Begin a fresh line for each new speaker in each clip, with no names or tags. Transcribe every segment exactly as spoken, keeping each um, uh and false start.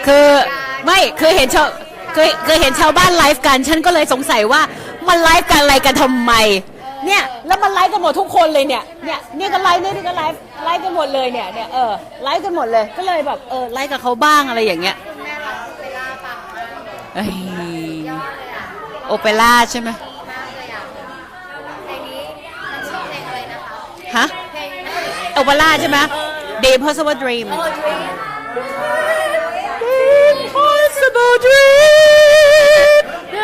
คือไม่คือเห็นชาวเคยเคยเห็นชาวบ้านไลฟ์กันฉันก็เลยสงสัยว่ามันไลฟ์กันอะไรกันทำไมเนี่ยแล้วมันไลฟ์กันหมดทุกคนเลยเนี่ยเนี่ยนี่ก็ไลฟ์นี่ก็ไลฟ์ไลฟ์กันหมดเลยเนี่ยเนี่ยเออไลฟ์กันหมดเลยก็เลยแบบเออไลฟ์กับเขาบ้างอะไรอย่างเงี้ยเอ้ยโอเปร่าใช่ไหมฮะโอเปร่าใช่ไหม The Impossible Dream Impossible Dream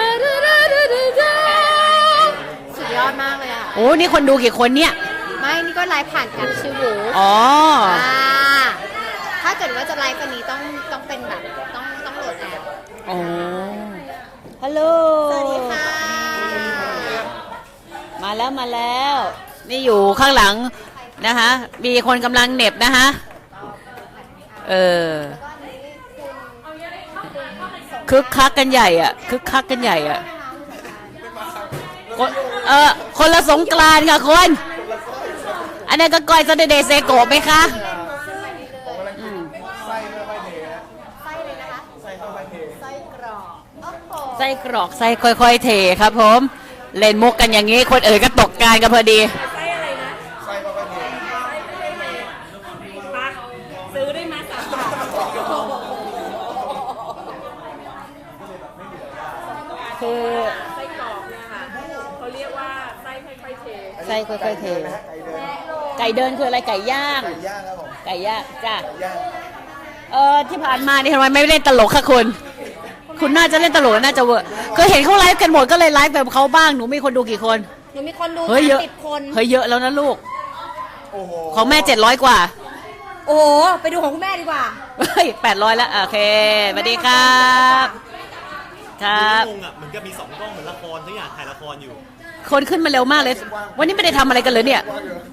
สุดยอดมากเลยอ่ะ
โอ้นี่คนดูกี่คนเนี่ย
ไม่นี่ก็ไลฟ์ผ่านกันชื่อหู
อ๋อ
ถ้าเกิดว่าจะไลฟ์วันนี้ต้องต้องเป็นแบบต้องต้องโหลดแอป
อ๋อฮัลโหล
สวัสดีค่ะ
มาแล้วมาแล้วนี่อยู่ข้างหลังนะคะมีคนกำลังเหน็บนะคะเออคึกคักกันใหญ่อ่ะคึกคักกันใหญ่อ่ะเออคนละสงกรานต์ค่ะคนอันนี้ก็ก้อยซาเดย์เซโกะไหมคะไส้กรอกไส้ค่อยๆเทครับผมเล่นมุกกันอย่างนี้คนเอ๋ยก็ตกการกันพอดีไส้อะไรนะไส้ค่อยๆเทซื้อได้มาสามบาทคือไส้กรอกเนี่ยค่ะเขาเรียกว่าไส้ค่อยๆเทไส้ค่อยๆเทไก่เดินคืออะไรไก่ย่างไก่ย่างครับผมไก่ย่างจ้าเออที่ผ่านมานี่ทำไมไม่เล่นตลกค่ะคุณคุณน่าจะเล่นตลกน่าจะเวอร์เคยเห็นเขาไลฟ์กันหมดก็เลยไลฟ์แบบเขาบ้างหนูมีคนดูกี่คน
หนูมีคนดู
เฮ้ยเยอะ
สิบคน
เฮ้ยเยอะแล้วนะลูกของแม่เจ็ดร้อยกว่า
โอ้ไปดูของคุณแม่ดีกว่า
เฮ้ยแปดร้อยแล้วโอเคสวัสดีครับครับ
งงอ่ะเหมือนกับมีสองกล้องเหมือนละครทุกอย่างถ่ายละครอยู่
คนขึ้นมาเร็วมากเลยวันนี้ไม่ได้ทำอะไรกันเลยเนี่ย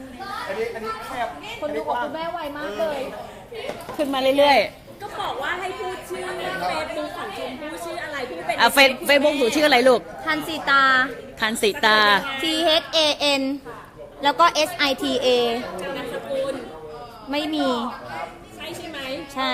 คนดูของคุณแม่ไวมากเลย
ขึ้นมาเรื่อย
ๆก็บอกว่าให้พูดชื่อเฟซบุ๊กของชมพู่ชื่ออะไรพูดเป็น
อ่ะเฟซเฟซบุ๊กหนูชื่ออะไรลูก
ทันสีตา
ทันสีตา
T H A N แล้วก็ S I T A
นามสกุล
ไม่มี
ใช่ใช่ไหม
ใช่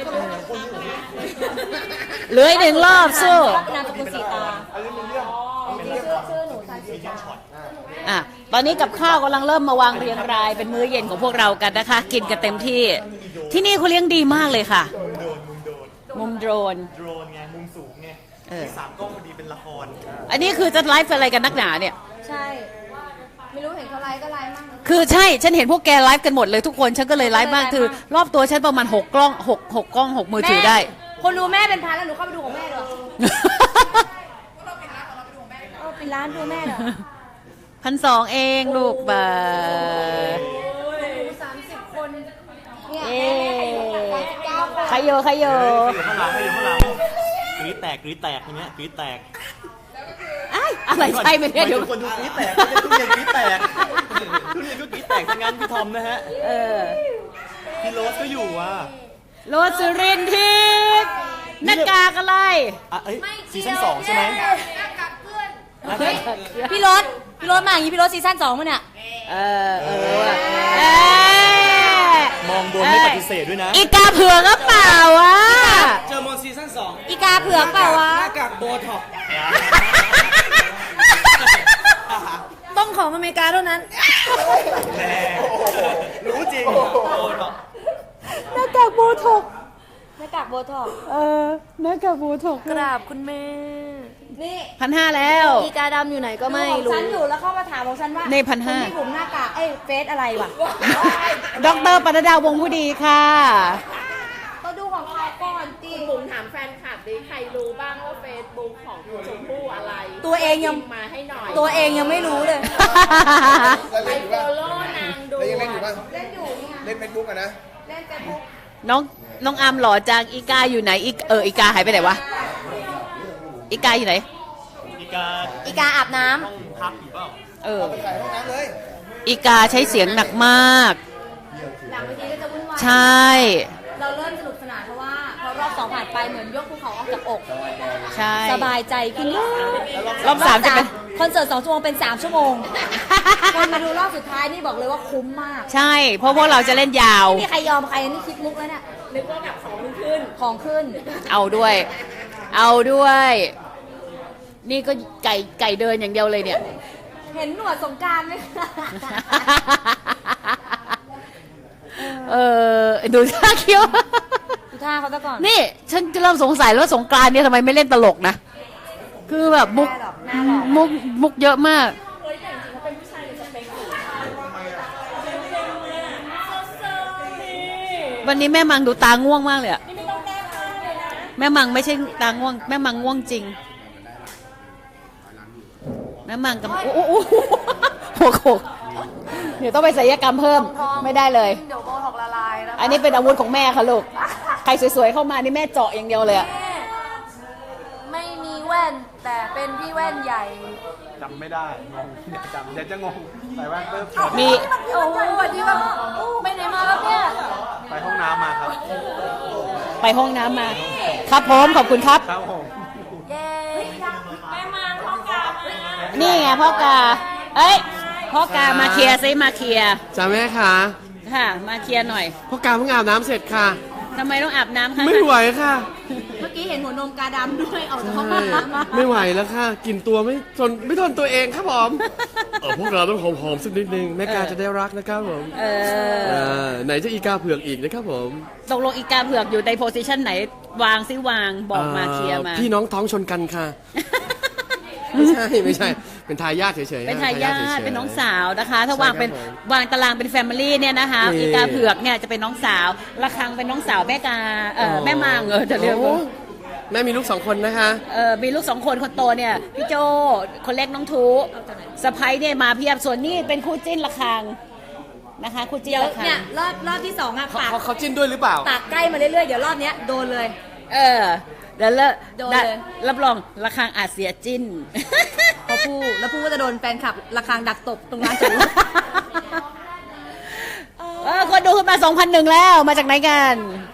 เหลืออีกหนึ่งรอบสู้
นามสกุลสีตาจริงๆชื่อชื่อหนูทันสีตา
อ่ะตอนนี้กับข้าวกำลังเริ่มมาวางเรียงรายเป็นมื้อเย็นของพวกเรากันนะคะกินกันเต็มที่ที่นี่เขาเลี้ยงดีมากเลยค่ะมุมโดรน
โดรนไงมุมสูงไงที่สามกล้องพอดีเป็นละคร
อันนี้คือจะไลฟ์อะไรกันนักหนาเนี่ย
ใช่ไม่รู้เห็นเขาไลฟ์ก็ไลฟ์มั่ง
คือใช่ฉันเห็นพวกแกไลฟ์กันหมดเลยทุกคนฉันก็เลยไลฟ์บ้างคือรอบตัวฉันประมาณหกกล้องหกหกกล้องหกมือถือได้
คนดูแม่เป็นพันแล้วหนูเข้าไปดูของแม่เลยเป็นร้านดูแม่เหรอ
พันสองเองลูกบ่า
สามสิบคน
เอ๊ใครโยใครโย
ข้างหลังใครอยู่ข้างหลังกรี๊ดแตกกรี๊ดแตกอย่างเงี้ยกรี๊ดแตก
อะไรใช่ไหมเนี่ยเดี๋ยว
คนดูกรี๊ดแตกทุเรียนกรี๊ดแตกทุเรียนก็กรี๊ดแตกทั้งนั้นพี่ทอมนะฮะ
เออ
พี่โรสก็อยู่ว่ะ
โรสสุรินทร์ทิพย์หน้ากากอะไร
อ่ะเอ้ยซีซั่นสองใช่ไหม
พี่รถพี่รถมาอย่างนี้พี่รถซีซั่นสองมั้ยเนี่ย
เออเออ
มองโดนไม่ปฏิเสธด้วยนะ
อีกาเผือกก็เปล่าวะ
เจอมอนซีซั่นสอง
อีกาเผือกเปล่าวะ
หน้ากากโบท็อก
ต้องของอเมริกาเท่านั้น
รู้จริง
หน้ากากโบท็อก
หน้ากากโบท็อก
เออหน้ากากโบท็อก
กราบคุณแม่
นี่พันห้าแล้ว
อีกาดำอยู่ไหนก็ไม่รู้ฉันอยู่แล้วเข้ามาถามของฉันว่า
ในพันห้า
พี่ผมหน้ากากเอ้ยเฟซอะไรวะ
ดอกเตอรปนัดดาวงผู้ดีค่ะ
ก็ดูของเขาก่อนจี
บุ๋มถามแฟนคลับดิใครรู้บ้างว่าเฟซบุ๊กของชมพู่อะไร
ตัวเองยัง
มาให้หน่อย
ตัวเองยังไม่รู้เลย
ไปโฟโล่นางดู
เล่นอยู่ป่ะ
เล่นอยู่เนี่ย
เล่นเฟซบุ๊กอะนะ
เล่นเฟซบุ๊ก
น้องน้องอาร์มหล่อจังอีกาอยู่ไหนอีเอออีกาหายไปไหนวะอีกาอยู่ไหน
อีกา
อีกาอาบน้
ำห้องพักอยู่เปล่า
เออ
ไปถ่ายห้องน้ำเลย
อีกาใช้เสียงหนักมาก
หลังเวทีก็จะวุ่นวาย
ใช่
เราเริ่มสนุกสนานเพราะว่าพอรอบสองผ่านไปเหมือนยกภูเขาออกจากอก
ใช่
สบายใจขึ้น
รอบสามจะเป็น
คอนเสิร์ตสองชั่วโมงเป็นสามชั่วโมงคนมาดูรอบสุดท้ายนี่บอกเลยว่าคุ้มมาก
ใช่ เพราะพวกเราจะเล่นยาว
ไม่มีใครยอมใครนี่คิดมุกแล้วเนี่ย
นึกว่าแบบของมันขึ้น
ของขึ้น
เอาด้วย เอาด้วย นี่ก็ไก่ไก่เดินอย่างเดียวเลยเนี่ย
เห็นหนวดสงกรารไหมคะ
เออดูท่าเคี้ยว
ดูท่าเขาซะก่อน
นี่ฉันจะเริ่มสงสัยแล้วว่าสงกรานต์เนี่ยทำไมไม่เล่นตลกนะ คือแบบมุก
หน้าหรอกหน้าหรอก
มุกมุกเยอะมาก
เฮ้ยแต่จริงๆเขาเป็นผู้ชายในสเปคอยู่
วันนี้แม่มังดูตาง่วงมากเลยอะ
นี่ไม่ต้องแก้ผ้าเลยนะ
แม่มังไม่ใช่ตาง่วง แม่มังง่วงจริง แม่มังกับโอ้โหโอ้โหเดี๋ยวต้องไปศัลยกรรมเพิ่มไม่ได้เลย
เดี๋ยวโบท็อกละลายนะ
อันนี้เป็นอาวุธของแม่ค่ะลูก ใครสวยๆเข้ามานี่แม่เจาะอย่างเดียวเลยอะ
ไม่มีแว่นแต่เป็นพี่แว่นใหญ่
จำไม่ได้งงเดี๋ยวจำเดี๋ยวจะงงใส่แว่นปุ๊บ
มี
โอ้โหวันนี้แบบไปไหนมาครับเนี่ย
ไปห้องน้ำมาครับ
ไปห้องน้ำมา ครับผมขอบคุณครับ
ครับผม
เย้
แม่มาท้องกามา
นี่ไงพ่อกา เอ้ยพ่อกามาเคลียร์ซิมาเคลียร์
จ้าแม่คะ
ค่ะ มาเคลียร์หน่อย
พ่อกาเพิ่งอาบน้ำเสร็จค่ะ
ทำไมต้องอาบน้ำคะ
ไม่ไหวค่ะ
เมื่อกี้เห็นหัวนมกาดำด้วยออกจากห้อง
ใช่
น้ำ
ไม่ไหวแล้วค่ะกลินตัวไม่ทนไม่ทนตัวเองครับผมเออพวกเราต้องหอมๆสักนิดนึงแม่กาจะได้รักนะครับผม
เออ
เออไหนจะอีกาเผือกอีกนะครับผม
ตกลงอีกาเผือกอยู่ในโพสิชันไหน วางซิวางบอกมาเคลียร์มา
พี่น้องท้องชนกันค่ะ ไม่ใช่ไม่ใช่ เป็นทายาทเฉยๆ
เป็นทายาท
ฉยๆ
เป็นน้องสาวนะคะ ถ้า
ใช่
วางเป็น
ครับผม
วางตารางเป็นแฟมิลี่เนี่ยนะคะ
นี่
อีกาเผือกเนี่ยจะเป็นน้องสาวระคังเป็นน้องสาวแม่กาเออแม่มางเออจะเรียก
โอ้
ว่า
แม่มีลูกสองคนนะคะ
เออมีลูกสองคนคนโตเนี่ยพี่โจคนเล็กน้องทูสะพ้ายเนี่ยมาเพียบส่วนนี่เป็นคู่จิ้นระคังนะคะคู่จิ้น
เดี๋ยว
ระคัง
เนี่ยรอบรอบที่สองอะ
เขา
ปาก
เขาเขาจิ้นด้วยหรือเปล่า
ปากใกล้มาเรื่อยๆเดี๋ยวรอบเนี้ยโดนเลย
เออแล้วเลอะ
โดนเลย
รับรองระคังอาจเสียจิ้น
พอพูดแล้วพูดว่าจะโดนแฟนคลับระฆังดักตบตรงร้านจอดรถ
เออคนดูขึ้นมาสองพันหนึ่งแล้วมาจากไหนกัน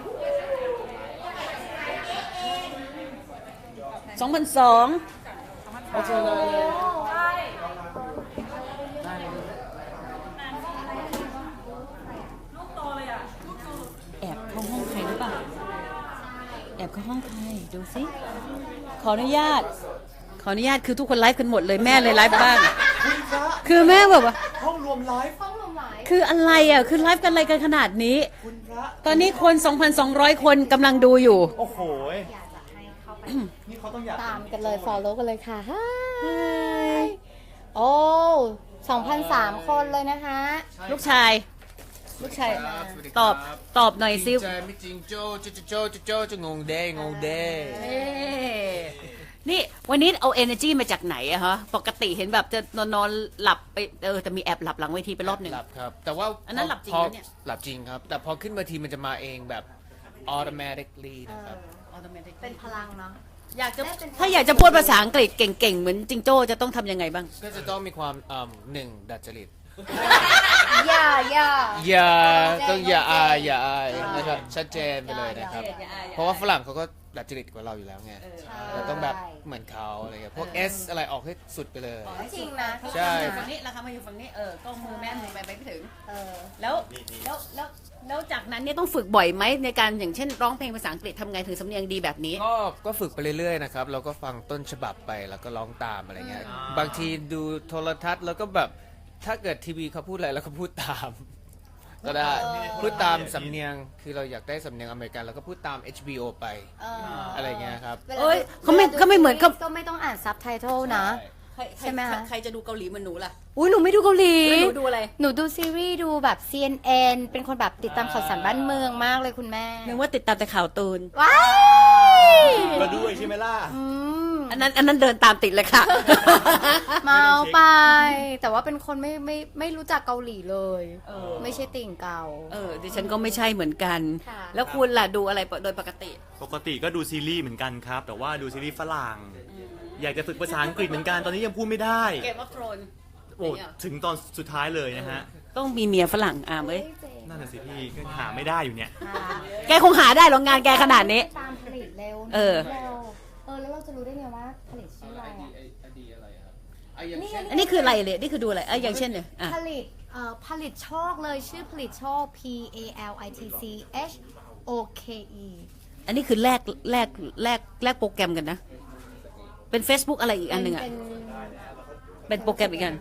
สองพันสองแอบเข้าห้องใครหรือเปล่าแอบเข้าห้องใครดูสิขออนุญาต ขออนุญาตคือทุกคนไลฟ์กันหมดเลยแม่เลยไลฟ์บ้างคือแม่แบบว่า
ห้องรวมไลฟ์
คืออะไรอ่ะ คือไลฟ์กันอะไรกันขนาดนี้ ตอนนี้คน สองพันสองร้อย คนกำลังดูอยู่
โอ้โหนี่เขาต้องอยาก
ตามกันเลย follow กันเลยค่ะ Hi โอ้สองพันสามคนเลยนะคะ
ลูกชาย ลูกชาย ตอบ ตอบหน่อยซิ
ใจไม่จริงโจโจโจโจโจจะงงเด้งงเด้
เอ้นี่วันนี้เอา energy มาจากไหนอะฮะ ปกติเห็นแบบจะนอนนอนหลับไปเออแต่มีแอบหลับหลังเวทีไปรอบหนึ่ง
หลับครับ แต่ว่า
อันนั้นหลับจริง
พอ
นะเนี่ย
หลับจริงครับ แต่พอขึ้นเวทีมันจะมาเองแบบ automatically นะครับ
เป็นพลังเนาะ
อยากจะถ้าอยากจะพูดภาษาอังกฤษเก่งๆ เหมือนจิงโจ้จะต้องทำยังไงบ้าง
ก็จะต้องมีความอ่าหนึ่งดัดจริต
อย่าอย่า
อย่าต้องอย่าอายอย่าอายนะครับชัดเจนไปเลยนะครับ
อย่าอายอย่าอาย
เพราะว่าฝรั่งเขาก็ดัดจริตกว่าเราอยู่แล้วไงเราต้องแบบเหมือนเขาอะไรเงี้ยพวก S อะไรออกให้สุดไปเลย
จริงนะ
ใช่
ฝั่งนี้ราคามาอยู่ฝั่งนี้เออก็มือแม่มือไปไม่ถึง
เออ
แล้วแล้วแล้วแล้วจากนั้นเนี่ยต้องฝึกบ่อยไหมในการอย่างเช่นร้องเพลงภาษาอังกฤษทำไงถึงสำเนียงดีแบบนี้
ก็ก็ฝึกไปเรื่อยๆนะครับเราก็ฟังต้นฉบับไปแล้วก็ร้องตามอะไรเงี้ยบางทีดูโทรทัศน์แล้วก็แบบถ้าเกิดทีวีเขาพูดอะไรเราก็พูดตาม ก็ได้พูดตามสำเนียงคือเราอยากได้สำเนียงอเมริกันเราก็พูดตาม เอช บี โอ ไป
เออ
อะไรเงี้ยครับ
เอ้ยเขาไม่เขาไม่เหมือนกับ
ก็ไม่ต้องอ่านซับไตเติลนะ
ใคร
ใช่ไหมคะ
ใครจะดูเกาหลีเหมือนหนูล่ะ
อุ้ยหนูไม่ดูเกาหลี
แล้วหนูดูอะไร
หนูดูซีรีส์ดูแบบ ซี เอ็น เอ็น เป็นคนแบบติดตามข่าวสารบ้านเมืองมากเลยคุณแม่
นึกว่าติดตามแต่ข่าวตูน
ว้าย
ก็ด้วยใช่ไหมล่ะ
อืม
อันนั้นอันนั้นเดินตามติดเลยค่ะ
เมาไป แต่ว่าเป็นคนไม่ไม่ไม่รู้จักเกาหลีเลย
เออ
ไม่ใช่ติ่งเก่า
เออดิฉันก็ไม่ใช่เหมือนกัน
ค่ะ
แล้วคุณล่ะดูอะไรโดยปกติ
ปกติก็ดูซีรีส์เหมือนกันครับ แต่ว่าดูซีรีส์ฝรั่ง อยากจะฝึกภาษาอังกฤษเหมือนกันตอนนี้ยังพูดไม่ได้
เกมออฟโทรน
โอ้ถึงตอนสุดท้ายเลยนะฮะ
ต้องมีเมียฝรั่งอ่ะเว้ย
นั่นน่ะสิพี่ก็หาไม่ได้อยู่เนี่ย
แกคงหาได้หรอกงานแกขนาดนี้
ตามผลิตเร็ว
เออ
เร็วเออแล้วเราจะรู้ได้ไงว่าผลิตชื่ออะไรอ่ะ
อย่าง
นี่
เช่น
อันนี้คืออะไรเลยนี่คือดูอะไรอ่ะอย่างเช่นเนี่ยอ่ะ
ผลิตเอ่อผลิตโชคเลยชื่อผลิตโชค P A L I T C H O K E
อันนี้คือแลกแลกแลกแลกโปรแกรมกันนะ เป็น Facebook อะไรอีกอันหนึ่งอ่ะ
เป็น
เป็นโปรแกรมอีกอัน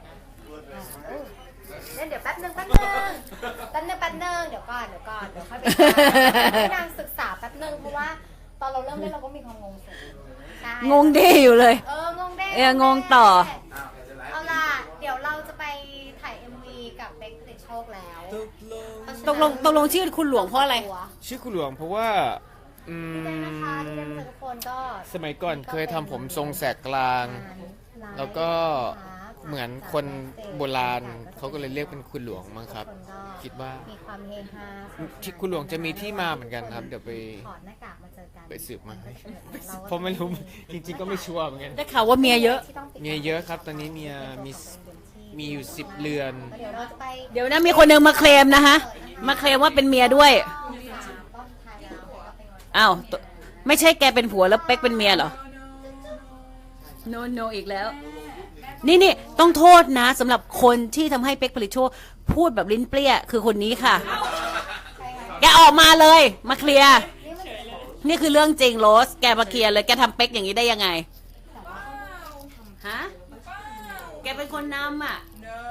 เล่นเดี๋ยวแป๊บนึงแป๊บนึงแป๊บนึงแป๊บนึงเดี๋ยวก่อนเดี๋ยวก่อนเดี๋ยวค่อยไปให้นางศึกษาแป๊บนึงเพราะว่าตอนเราเริ่มเล่นเราก็มีความงงสูงใช่
งงเด้อยู่เลย
เอองงเด้
เอองงต่อ
เอาล่ะเดี๋ยวเราจะไปถ่าย เอ็ม วี กับเบคผลิตโชคแล้ว
ตกลงตกลงชื่อคุณหลวงเพราะอะไร
ชื่อคุณหลวงเพราะว่าอื
ดีใจนะคะดีใจ
ม
ที่เจอทุกคนก็
สมัยก่อนเคยทำผมทรงแสกกลาง แล้วก็เหมือนคนโบราณเขาก็เลยเรียกเป็นคุณหลวงมั้งครับ คิดว่า
มีความเฮฮา
ที่คุณหลวงจะมีที่มาเหมือนกันครับ เดี๋ยวไป
ถอดหน้ากากมาเจอกัน
ไปสืบมาให้
เราก็
เพราะไม่รู้ จริง ๆ ก็ไม่ชัวร์เหมือนกัน
ได้ข่าวว่าเมียเยอะ
ที่ต้องติด
เมียเยอะครับ ตอนนี้เมียมีมีอยู่สิบเรือน
เดี๋ยวเราจะไป
เดี๋ยวนะมีคนหนึ่งมาเคลมนะคะมาเคลมว่าเป็นเมียด้วย
ก็ถ่ายแล้วก็ไปงอน
อ้าวตไม่ใช่แกเป็นผัวแล้วเป๊กเป็นเมียเหรอ โนโนอีกแล้ว นี่นี่ต้องโทษนะสำหรับคนที่ทำให้เป๊กผลิตโชคพูดแบบลิ้นเปรี้ยคือคนนี้ค่ะ แกออกมาเลย มาเคลียร์ นี่คือเรื่องจริงโรส แกมาเคลียร์เลย แกทำเป๊กอย่างนี้ได้ยังไง ฮะ แกเป็นคนนำอ่ะ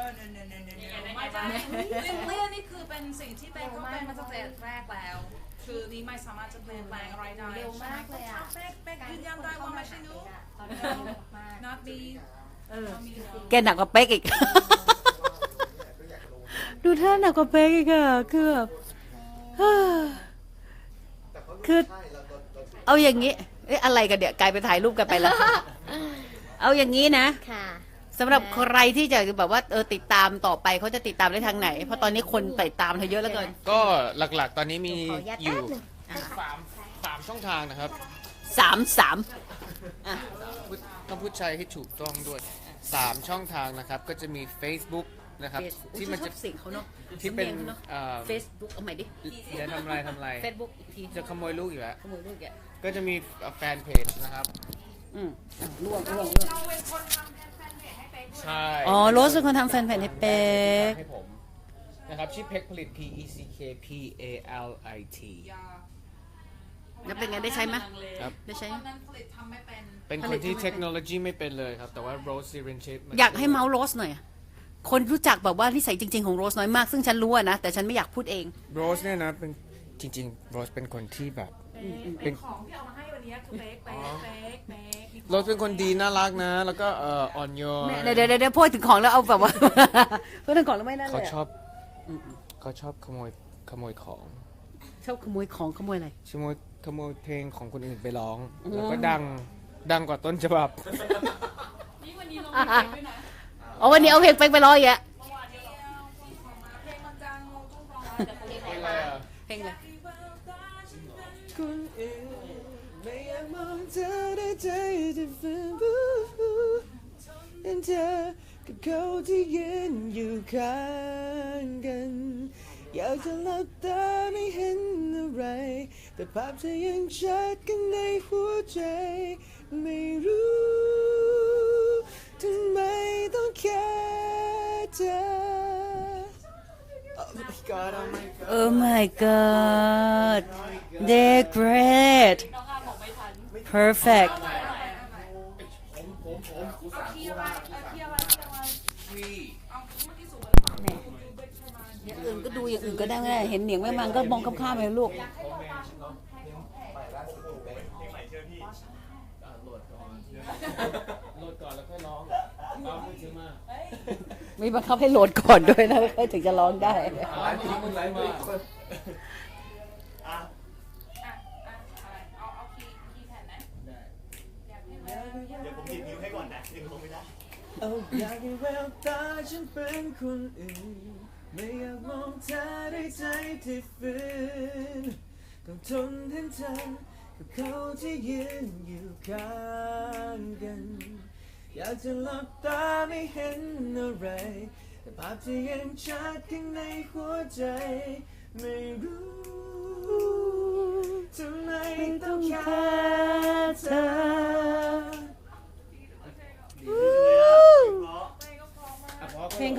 ลิมเลียนี่คือเป็นสิ่งที่เป๊กก็เป็นมาตั้งแต่แรกแล้ว คือนี่ไม่สามารถจะเปลี่ยนแปลงอะไรได้
เร็วมากเลยอ่ะ
เป๊กเป๊กยืนยันได้ว่าไม่ใช่หนู
ตอนนี้เร็วมาก
not me
แกหนักกว่าเป๊กอีก ดูท่าหนักกว่าเป๊กอีกอะคือแบบเฮ้อคือ เอาอย่างนี้ เอ๊ะอะไรกันเดี๋ยวกลายไปถ่ายรูปกันไปแล้ว เอาอย่างนี้นะ
ค่ะ
สำหรับใครที่จะแบบว่าเออติดตามต่อไปเขาจะติดตามได้ทางไหน เพราะตอนนี้คนติดตามเธอเยอะเหลือเกิน
ก็หลักๆ ตอนนี้มี
ขออนุญาต
อยู่
แป๊บหนึ่ง
สามสามช่องทางนะครับ
สามสาม
พูดต้องพูดใช้ให้ถูกต้องด้วยสามช่องทางนะครับ ก็จะมี Facebook นะครับ ที่มันจะ
ชอบสิ่งเขาเนาะ
ที่เป็น
เนาะ
เอ่อ
เฟซบุ๊กเอาใหม่ดิ
เดี๋ยวทำอะไรทำอะไร
เฟซบุ๊กอีกที
จะขโมยลูกอยู่แล้ว
ขโมยลูกแก
ก็จะมีแฟนเพจนะครับ
อืมอ่ะล่วงล่วงล่วง
ใช่
อ๋อโรสเป็นคนทำแฟนเพจให้เป๊ก
ให้ผมนะครับชื่อเพ็กผลิต P E C K P A L I T
แล้วเป็นไงได้ใช้ไหม
ครับ
ได้ใช้
ตอนนั้นผลิตทำไม่เป็น
เป็นคนที่เทคโนโลยีไม่เป็นเลยครับ แต่ว่า Rose Sirenship
อยากให้เมาส์โรสหน่อยอะคนรู้จักแบบว่านิสัยจริง ๆ ของโรสน้อยมาก ซึ่งฉันรู้อะนะ แต่ฉันไม่อยากพูดเอง
Rose เนี่ยนะเป็นจริงๆ Rose เป็นคนที่แบบเป็น
ของที่เอามาให้วันนี้คือเป๊กเป๊กเป๊กเป๊กมี
Rose เป็นคนดีน่ารักนะ แล้วก็เอ่ออ่อนโยน
เดี๋ยวเดี๋ยวเดี๋ยวพูดถึงของแล้วเอาแบบว่า พูดถึงของแล้วไม่นั่นเล
เขา
ย
ช
อะ
อบเขาชอบขโมยขโมยของ
ชอบขโมยของขโมยอะไร
ขโมยขโมยเพลงของคนอื่นไปร้อง แล้วก็ดังดังกว่าต้นฉบับ
อ๋อวันนี้เอาเพลงเป๊กไปร้องอีกอะ
เพลงมันจังเราต้องรอแต่คนเป๊ก
เพลงอะไร
คนอื่นไม่อยากมองเธอได้ใจจะฝืนบูเห็นเธอกับเขาที่ยืนอยู่ข้างกัน อยากจะหลับตาไม่เห็นอะไร แต่ภาพเธอยังชัดข้างในหัวใจ ไม่รู้ทำไมต้องแค่เธอ Oh my god, oh my god.
Oh my god they're great perfect อย่างอื่นก็ดูอย่างอื่นก็ได้ไม่ได้เห็นเหนียงแม่มันก็มองข้ามๆไปลูก
โหลดก่อนแล้วค่อยร้องเอามือถือมา
มีบังคับให้โหลดก่อนด้วยนะค่อยถึงจะร้องได้
ร้านนี้มึงไลฟ์มา
อ่ะอ่ะอะไรเอาเอาคีย์คีย์แผ่นนะอยากให้มัน
เดี๋ยวผมหยิบนิ้วให้ก่อนนะยังลงไม่ได้
เอาอยากให้แววตาฉันเป็นคนอื่น ไม่อยากมองเธอด้วยใจที่ฝืนต้องทนเห็นเธอกับเขาที่ยืนอยู่ข้างกัน อยากจะหลับตาไม่เห็นอะไร แต่ภาพที่ยังชัดข้างในหัวใจ ไม่รู้ทำไมต้องแค่เธอ
ดีเลยอ่ะเพราะ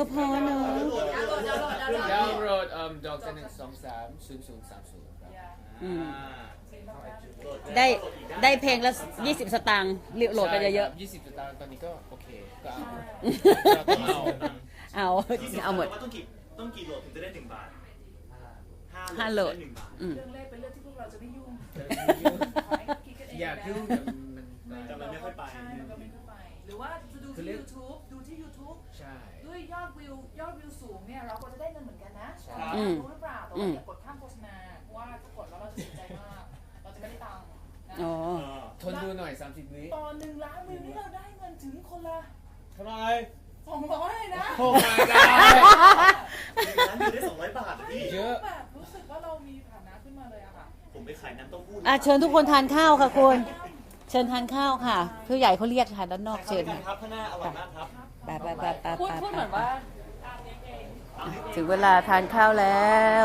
ก็พอเนาะ
ดาวน์โหลดเอ่อดอกจันหนึ่งสองสามศูนย์ศูนย์สามศูนย์ครับ
อืมได้ได้เพลงละยี่สิบสตางค์โหลดไปเยอะ
ยี่สิบสตางค์ตอนนี้ก็โอเคก็เอา
ๆ
เราก็เอา
เอาเอาหมด
ว่าต้องกี่ต้องกี่โหลดถึงจะได้หนึ่งบาท
ห้าโหลด
ไหนึ่งบาท
อืม
เรื่องเลขเป็นเรื่องที่พวกเราจะไม่ยุ่งคิดกันเอง
อยากยุ่งแต่มัน
แต่มันไม่ค่อยไป
ใช่มันก็ไม่ค่อยไป หรือว่าจะดูที่ YouTube ดูที่ YouTube
ใช่
ด้วยยอดวิวยอดวิวสูงเนี่ยเราก็จะได้เงินเหมือนกันนะ
อืม
รู้หรือเปล่าแต่ว่าอย่ากดข้ามโฆษณาเพราะว่าถ้ากดแล้วเราจะเสียใจมาก เราจะไม่ได้ตังค์นะ
อ๋อ
ทนดูหน่อยสามสิบวิ
ตอนหนึ่งล้านวิวนี่เราได้เงินถึงคนละ
เท่าไหร
สองร้อยเลยนะ
โอ้ my god
ร้านอยู่ได้สองร้อยบาทอะพี่
เยอะ
แบบรู้สึกว่าเรามีฐานะขึ้นมาเลยอะค่ะ
ผมไปขายน้ำเต้าหู้
อ่ะเชิญทุกคนทานข้าวค่ะคุณเชิญทานข้าวค่ะผู้ใหญ่เขาเรียกค่ะด้านนอก
เชิ
เชิ
ญ
ญ
ครับข้างหน้าอร่อยมากครับ
ไปไปไปไป
พูด
ไป
พูดเหมือนว่า
ถึงเวลาทานข้าวแล้ว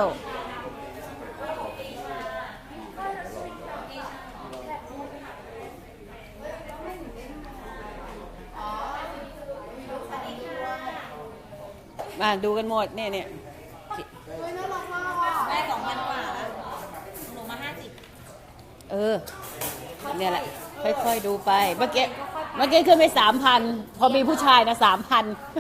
มาดูกันหมดเนี่ยเนี่ย
แม่สองพันกว่าแล้วหนูมาห้าสิบ
เออเนี่ยแหละ ค่อยๆดูไป เมื่อกี้เมื่อกี้ขึ้นไปสามพันพอมีผู้ชายนะสามพัน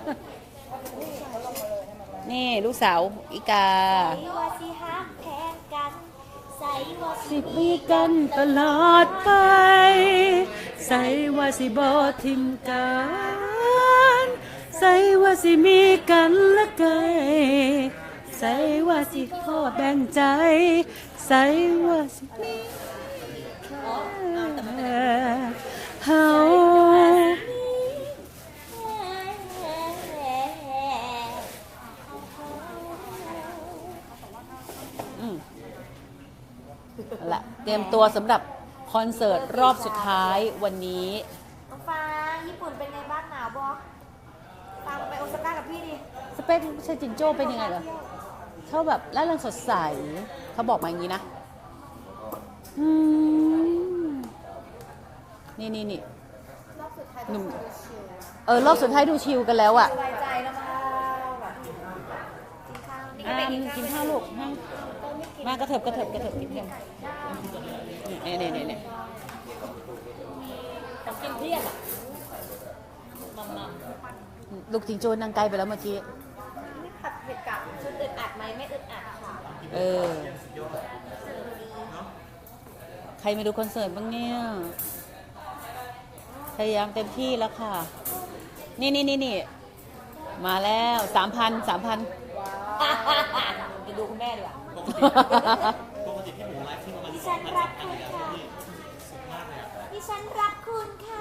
นี่ลูกสาวอีกา
ว่าสิฮักแพงกันใส่ว่า
สิปีกันตลอดไป ใส่ว่าสิบอทิมกันใส่ว่าสิมีกันละไกใส่ว่าสิขอแบ่งใจ ใส่ว่าสิมีเฮา อืมเอาละเตรียมตัวสำหรับคอนเสิร์ตรอบสุดท้ายวันนี้
น้องฟ้าญี่ปุ่นเป็นไงบ้างหนาวบอตามไปโอซาก้ากับพี่ดิ
สเปคเชจินโจ้เป็นยังไงเหรอเขาแบบร่าเริงสดใส เขาบอกมาอย่างนี้นะ อืม นี่นี่นี่
รอบสุดท้าย
หนุ่ม
ต้องดูชิล
เออ รอบสุดท้ายดูชิลกันแล้วอะ
สบายใจแล้วมาแบบกินข้าวนี่ก็
อ่า
ไป
กินข้าวลูกนั่ง
ก็ไม่กิน
มากระเถิบกระเถิบกระเถิบนิดนึงนี่นี่นี่นี่
ของกินเที่ยงอะมัมมัม
ลูกจิงโจ้นั่งใกล้ไปแล้วเมื่อกี้
นี่ผัดเผ็ดกับชุดอึดอัดไหมไม่อึดอัดค่ะ
เออ ใครมาดูคอนเสิร์ตบ้างเนี่ย พยายามเต็มที่แล้วค่ะ นี่นี่นี่นี่มาแล้วสามพันสามพัน
จะดูคุณแม่ดีกว่า
ปกติพี่หมูไลฟ์ที่ประมาณ
ดิฉันรักคุณค่ะดิฉันรักคุณค่ะ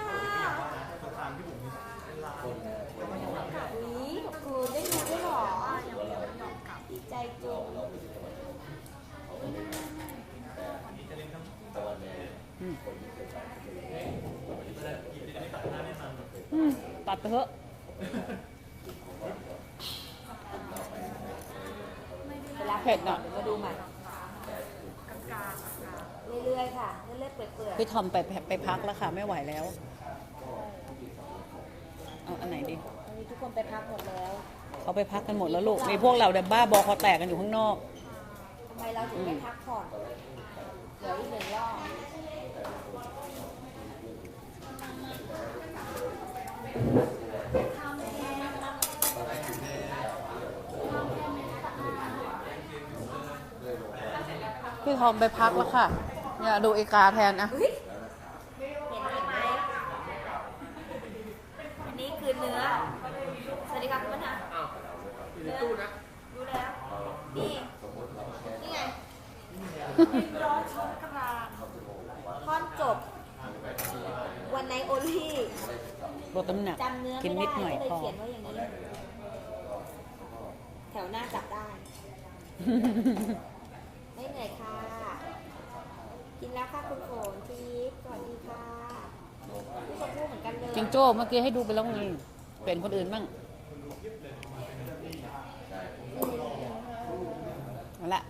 นี่ขอบคุณได้ดูด้วยเหรอดีใจจุง
อืมตัดไปเถอะ
เวลา
เผ็ดอ่ะ
มาดูใหม่เรื่อยๆค่ะเรื่อยๆเปื่อยๆ
พี่ทอมไปไปพักแล้วค่ะ ไม่ไหวแล้ว เอาอันไหนดี
วันนี้ทุกคนไปพักหมดแล้ว
เขาไปพักกันหมดแล้วลูก มีพวกเราเดบ้าบอคอแตกกันอยู่ข้างนอก
ทำไมเราถึงไม่พักผ่อนเดี๋ยวอีกหนึ่งรอบ
พี่ทอมไปพักแล้วค่ะ เนี่ยดูเอกาแทนนะ
เฮ้ยเห็นนี่ไหมอันนี้คือเนื้อ สวัสดีครับคุณปัญหาอยู่ในตู้นะรู้แล้ว นี่ นี่ไงร้อนช้อนกลางท่อนจบ วันในโอลี่
ลดน้ำหนัก
จำเนื้อ
กิน
ไม่
นิด
ได้
หน่อย
ก็เลย
พอ
เขียนไว้อย่างนี้ แถวหน้าจับได้ ไม่เหนื่อยค่ะ กินแล้วค่ะคุณโขนทีสวัสดีค่ะพี่ชมพู่เหมือนกันเลย
จิงโจ้เมื่อกี้ให้ดูไปแล้วไงเป็นคนอื่นบ้างเอาละ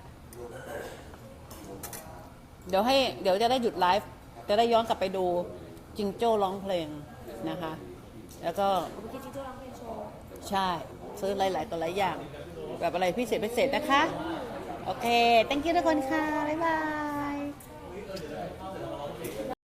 เดี๋ยวให้เดี๋ยวจะได้หยุดไลฟ์จะได้ย้อนกลับไปดูจิงโจ้ร้องเพลงนะคะ แล้วก็
เมื่อกี้จิงโจ้ร้องเพลงโชว์
ใช่ซื้อหลายๆตัวหลายอย่าง แบบอะไรพิเศษพิเศษนะคะ โอเค thank you ทุกคนค่ะ บ๊ายบาย